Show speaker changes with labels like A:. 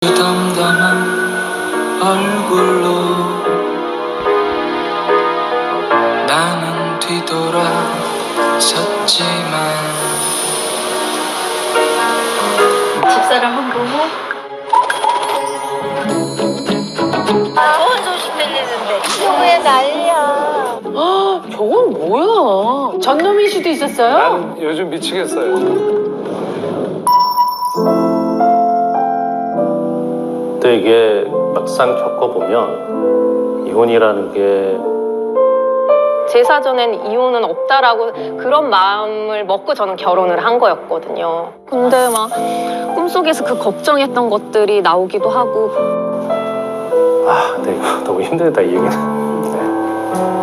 A: 담담한 얼굴로 나는 뒤돌아섰지만
B: 집사람 한 보고 좋은 소식 들리는데 왜 난리야.
C: 저건 뭐야? 전놈일 수도 있었어요?
D: 난 요즘 미치겠어요.
E: 근데 이게 막상 겪어보면 이혼이라는 게
F: 제 사전엔 이혼은 없다라고 그런 마음을 먹고 저는 결혼을 한 거였거든요. 근데 막 꿈속에서 그 걱정했던 것들이 나오기도 하고
E: 근데 이거 너무 힘들다 이 얘기는. 네.